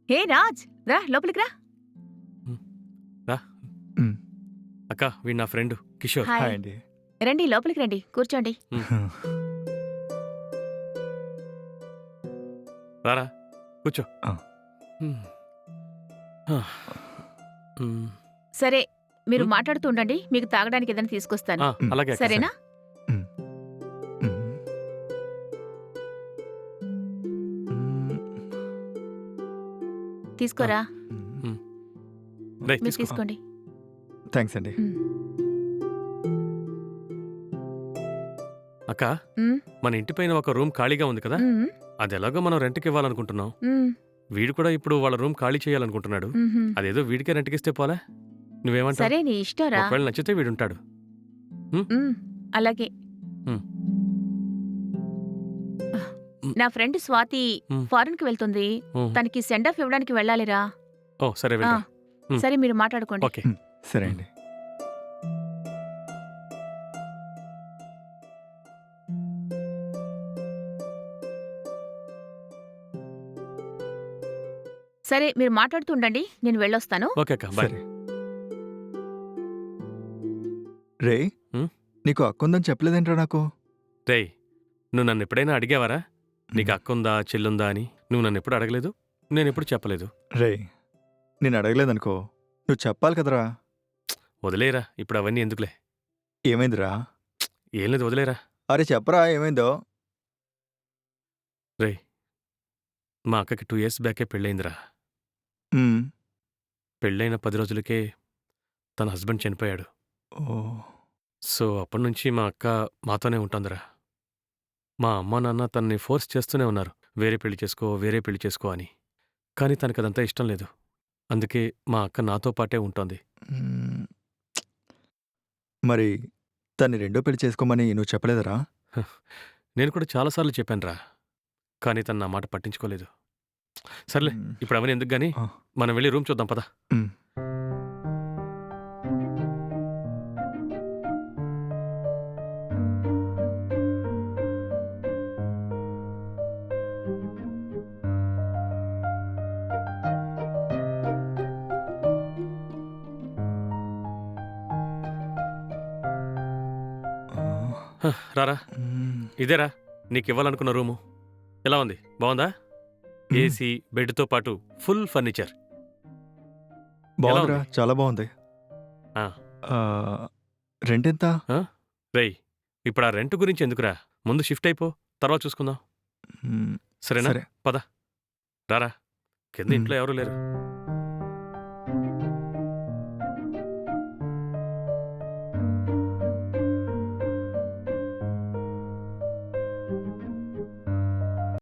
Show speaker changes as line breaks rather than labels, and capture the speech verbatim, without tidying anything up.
హే రాజ్, రా లోపలికి రా.
హ్మ్. రా.
హ్మ్.
అక్క వీడు నా ఫ్రెండ్ కిషోర్.
హాయ్.
హాయ్ అండి.
రండి లోపలికి రండి, కూర్చోండి.
రారా కూర్చో.
ఆ.
హ్మ్. ఆ. హ్మ్.
సరే, మీరు
హ్మ్.
మాట్లాడుతూ ఉండండి, మీకు తాగడానికి ఏదైనా తీసుకొస్తాను.
ఆ, అలాగే అక్క.
సరేనా?
హ్మ్. హ్మ్. హ్మ్.
తీసుకోరా.
హ్మ్.
హ్మ్. రేయ్
మీరు
తీసుకో.
తీసుకోండి.
థ్యాంక్స్ అండి.
మ్.
అక్క
మ్,
మన ఇంటి పైన ఒక రూమ్ ఖాళీగా ఉంది కదా,
మ్,
అది ఎలాగో మనం రెంట్కి ఇవ్వాలనుకుంటున్నాం.
మ్,
వీడు కూడా ఇప్పుడు వాళ్ళ రూమ్ ఖాళీ చేయాలనుకుంటున్నాడు.
మ్హూ.
అదేదో వీడికే రెంట్కి ఇస్తే పోలే. నువ్వేమంటావు?
సరే, నీ ఇష్టంరా.
ఒకవేళ నచ్చితే వీడుంటాడు.
మ్, అలాగే.
హ్మ్. హ్మ్.
నా ఫ్రెండ్ స్వాతి
హ్మ్.
ఫారెన్కి వెళ్తుంది.
హ్మ్.
తనకి సెండ్ ఆఫ్ ఇవ్వడానికి వెళ్ళాలిరా.
ఓ సరే
ఆ,
వెళ్ళరా. హ్మ్.
సరే, మీరు మాట్లాడుకోండి.
ఓకే.
హ్మ్. సరే అండి.
సరే, మీరు మాట్లాడుతూ ఉండండి, నేను వెళ్ళొస్తాను.
ఓకే అక్క బాయ్.
సరే. రేయ్,
హ్మ్.
నీకు అక్కుందని చెప్పలేదేంట్రా నాకు?
రేయ్ నువ్వు నన్ను ఎప్పుడైనా అడిగావారా నీకు
హ్మ్.
అక్క ఉందా చెల్లుందా అని? నువ్వు నన్ను ఎప్పుడు అడగలేదు, నేను ఎప్పుడు చెప్పలేదు.
రేయ్, నేను అడగలేదనుకో, నువ్వు చెప్పాలి కదరా!
వదిలేరా ఇప్పుడు అవన్నీ ఎందుకులే.
ఏమైందిరా?
ఏం లేదు వదిలేరా.
అరే చెప్పరా ఏమైందో?
రేయ్ మా అక్కకి టూ ఇయర్స్ బ్యాకే పెళ్ళయిందిరా.
హ్మ్.
పెళ్ళైన పది రోజులకే తన హస్బెండ్ చనిపోయాడు.
ఓహ్!
సో అప్పటినుంచి మా అక్క మాతోనే ఉంటుందిరా. మా అమ్మ నాన్న తనని ఫోర్స్ చేస్తూనే ఉన్నారు, వేరే పెళ్లి చేసుకో వేరే పెళ్లి చేసుకో అని. కానీ తనకదంతా ఇష్టం లేదు. అందుకే మా అక్క నాతో పాటే ఉంటోంది.
హ్మ్. మరి తన్ని రెండో పెళ్లి చేసుకోమని నువ్వు చెప్పలేదురా?
హ, నేను కూడా చాలాసార్లు చెప్పానురా, కానీ తను నా మాట పట్టించుకోలేదు. సర్లే
హ్మ్.
ఇప్పుడు అవన్నీ ఎందుకు గానీ
ఆ!
మనం వెళ్ళి రూమ్ చూద్దాం పద.
హ్మ్. ఆ!
హ, రారా.
హ్మ్.
ఇదేరా నీకివ్వాలనుకున్న రూము. ఎలా ఉంది, బాగుందా?
హ్మ్.
ఏసీ, బెడ్తో పాటు ఫుల్ ఫర్నిచర్. ఎలా
బావుందిరా.
ఉంది?
చాలా బావుంది.
ఆ,
ఆహ్, రెంటెంత?
ఆ? రేయ్ ఇప్పుడు ఆ రెంట్ గురించి ఎందుకురా, ముందు షిఫ్ట్ అయిపో, తర్వాత చూసుకుందాం.
హ్మ్.
సరేనా?
సరే.
పద రారా, కింద
హ్మ్.
ఇంట్లో ఎవరూ లేరు.